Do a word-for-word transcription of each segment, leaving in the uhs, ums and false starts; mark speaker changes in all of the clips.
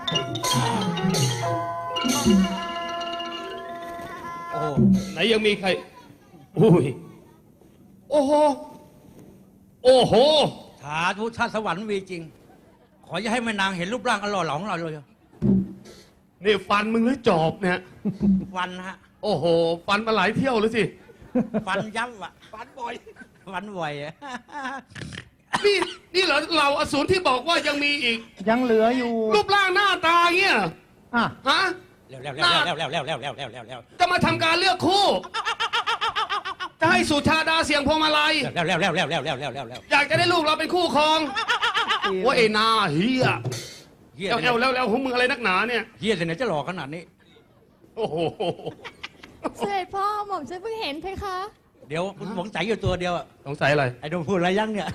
Speaker 1: โอ้
Speaker 2: ไหนยังมีใครอุ้ยโอ้โหโอ้โห
Speaker 1: สาธุชาติสวรรค์มีจริงขออย่าให้แม่นางเห็นรูปร่างอันหล่อเหลาของเราเลย
Speaker 2: นี่ฟันมึงหรือจอบเนี่ย
Speaker 1: ฟันฮะ
Speaker 2: โอ้โหฟันมาหลายเที่ยวเลยสิ
Speaker 1: ฟันยับอะฟันบ่อยฟันบ่อยอะ
Speaker 2: นี่นี่เหรอเราอสูรที่บอกว่ายังมีอีก
Speaker 3: ยังเหลืออยู่
Speaker 2: รูปร่างหน้าตาเงี้ย
Speaker 3: อ่ะ
Speaker 2: ฮะ
Speaker 1: แล้วแล้วแล้วแล้วแล้วแล้วแล้วแล้วแล้วแล้ว
Speaker 2: จะมาทำการเลือกคู่จะให้สุชาดาเสียงพวงมาลัย
Speaker 1: แล้วแล้วแล้วแล้วแล้วแล้วแล้วแล้ว
Speaker 2: อยากจะได้ลูกเราเป็นคู่ครองว่าไอ้นาเฮียเอวแล้วแล้วของมึงอะไรนักหนาเนี่ย
Speaker 1: เฮียแต่ไหนจะหล่อขนาดนี้
Speaker 2: โอ้โห
Speaker 4: เสด็จพ่อหม่อมฉันเพิ่งเห็นเพคะ
Speaker 1: เดี๋ยวคุณสงสัยอยู่ตัวเดียวอะ
Speaker 2: สงสัยอะไร
Speaker 1: ไอ้โดมพูดอะไรยังเนี่ย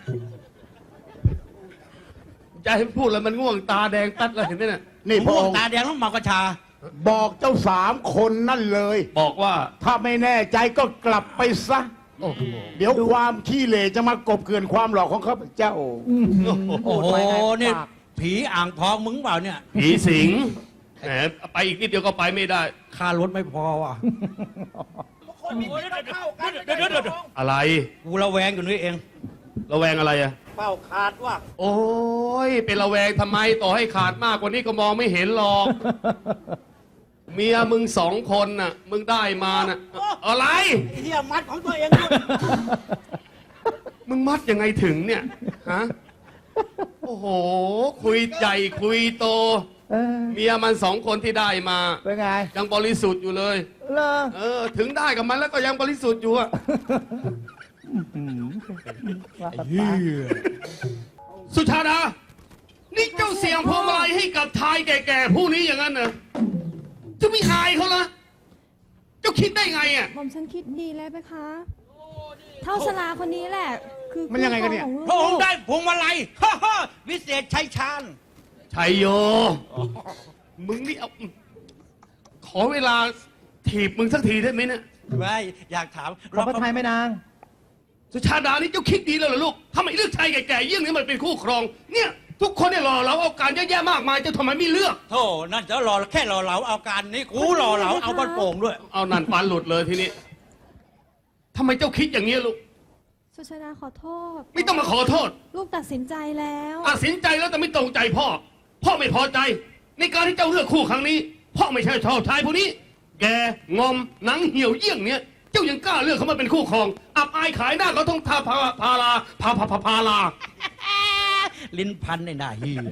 Speaker 2: จะให้พูดแล้วมันง่วงตาแดงตัดเลยเห็นไหมเนี่ย
Speaker 1: นี่พวกตาแดงต้องเมากระชา
Speaker 3: บอกเจ้าสามคนนั่นเลย
Speaker 2: บอกว่า
Speaker 3: ถ้าไม่แน่ใจก็กลับไปซะเดี๋ยวความขี้เหร่จะมากบเกลื่อนความหล่อของข้าพเจ้า
Speaker 1: โอ้โหนี่ผีอ่างทองมึงเปล่าเนี่ย
Speaker 2: ผีสิงแหมไปอีกนิดเดียวก็ไปไม่ได้
Speaker 1: ค่ารถไม่พอว่ะ
Speaker 2: อะไร
Speaker 1: กูระแวงอยู่นี่เอง
Speaker 2: ระแวงอะไรอะ
Speaker 1: เป้าขาดว่ะ
Speaker 2: โอ้ยเป็นระแวงทำไมต่อให้ขาดมากกว่านี้ก็มองไม่เห็นหรอกเมียมึงสองคนน่ะมึงได้มาน่ะอะไร
Speaker 1: เฮียมัดของตัวเอง
Speaker 2: มึงมัดยังไงถึงเนี่ยฮะโอ้โหคุยใหญ่คุยโตเมียมันสองคนที่ได้มา
Speaker 3: เป็นไง
Speaker 2: ยังบริสุทธิ์อยู่เลย
Speaker 3: เหรอ
Speaker 2: เออถึงได้กับมันแล้วก็ยังบริสุทธิ์อยู่อะสุชาดานี่เจ้าเสียงพวงมาลัยให้กับชายแก่ๆผู้นี้อย่างนั้นเหรอจะไม่อายเขาละเจ้าคิดได้ไงอ่ะ
Speaker 4: หม่อมฉันคิดดีแล้วเพคะเท่าชลาคนนี้แหละคือ
Speaker 3: มันยังไงกันเนี่ย
Speaker 1: พระองค์ได้พวงมาลัยฮ่าฮ่าวิเศษชัยชาญ
Speaker 2: ชัยโยมึงนี่เอาขอเวลาถีบมึงสักทีได้ไหมเนี่ย
Speaker 1: ไม่อยากถาม
Speaker 3: รอพระทัยไม่นาง
Speaker 2: สุชาดานี่เจ้าคิดดีแล้วเหรอลูกทำไมเลือกชายแก่ๆเยี่ยงนี้มันเป็นคู่ครองเนี่ยทุกคนเนี่ยรอเราเอาการเยอะแยะมากมายจะทำไมไม่เลือก
Speaker 1: โธ่นั่นจะรอแค่รอเราเอาการนี้กูรอเราเอาบ้านโป่งด้วย
Speaker 2: เอานั่นฟันหลุดเลยทีนี้ทำไมเจ้าคิดอย่างนี้ลูก
Speaker 4: สุชาดาขอโทษ
Speaker 2: ไม่ต้องมาขอโทษ
Speaker 4: ลูกตัดสินใจแล้ว
Speaker 2: ตัดสินใจแล้วแต่ไม่ตรงใจพ่อพ่อไม่พอใจในการที่เจ้าเลือกคู่ครั้งนี้พ่อไม่ใช่ชอบชายผู้นี้แกงอมหนังเหี่ยวเยี่ยงเนี้ยเจ้ายังกล้าเลือกเขามาเป็นคู่ครองอับอายขายหน้าเขาต้องทาพาพาลาพาพาพาพาลา
Speaker 1: ลิ้นพันในหน้าเฮีย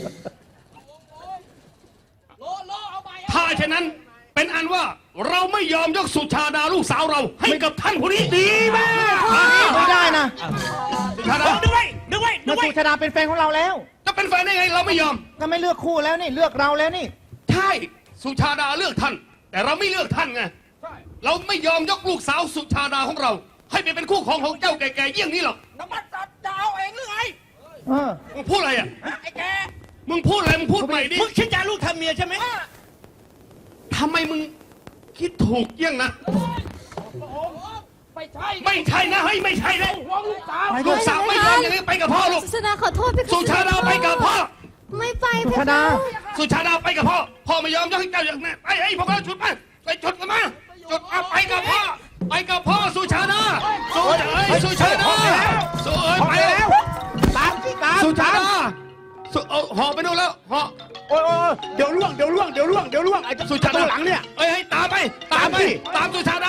Speaker 2: ถ้าเช่นนั้นเป็นอันว่าเราไม่ยอมยกสุชาดาลูกสาวเราให้กับท่านผู้นี้ดีมาก
Speaker 3: ไม่ได้นะ
Speaker 2: สุชาดา
Speaker 1: ดึงไว้ดึงไว้ดึงไว้
Speaker 3: สุชาดาเป็นแฟนของเราแล้ว
Speaker 2: จะเป็นแฟนได้ไงเราไม่ยอม
Speaker 3: ก็ไม่เลือกคู่แล้วนี่เลือกเราแล้วนี่
Speaker 2: ใช่สุชาดาเลือกท่านแต่เราไม่เลือกท่านไงเราไม่ยอมยกลูกสาวสุชาดาของเราให้ไปเป็นคู่ของของเจ้าแก่ๆเยี่ยงนี้หรอก
Speaker 1: น้ำมันตัดดาวเองหรือไง
Speaker 2: มึงพูดอะไรอ่ะ
Speaker 1: ไอ้แก
Speaker 2: มึงพูดอะไรมึงพูดใหม่ดิ
Speaker 1: มึงคิดจะลูกทำเมียใช่ไหม
Speaker 2: ทำไมมึงคิดถูกเยี่ยงนะ
Speaker 1: ไม่ใช่
Speaker 2: ไม่ใช่นะเฮ้ยไม่ใช่เลยลูกสาวไม่ยอมอย่างนี้ไปกับพ่อลูก
Speaker 4: สุชาดาขอโทษพี่
Speaker 2: สุชาดาไปกับพ่อ
Speaker 4: ไม่ไป
Speaker 3: สุชาดา
Speaker 2: สุชาดาไปกับพ่อพ่อไม่ยอมยกให้เจ้าอย่างนี้ไอ้ไอ้พวกเราจุดไปไปจุดกันมาจุดไปกับพ่อไปกับพ่อสุชาดาสุชาดาสุชาดาสุเอ้ยไปแล้ว
Speaker 3: ตามที่ตาม
Speaker 2: สุชาดาสุเอาห่อไปนู่นแล้วห่อ
Speaker 3: โอ้ยเดี๋ยวล่วงเดี๋ยวล่วงเดี๋ยวล่วงเดี๋ยวล่วงไอ้สุชาดาหลังเนี่ย
Speaker 2: เอ้ยให้ตามไปตามไปตามสุชา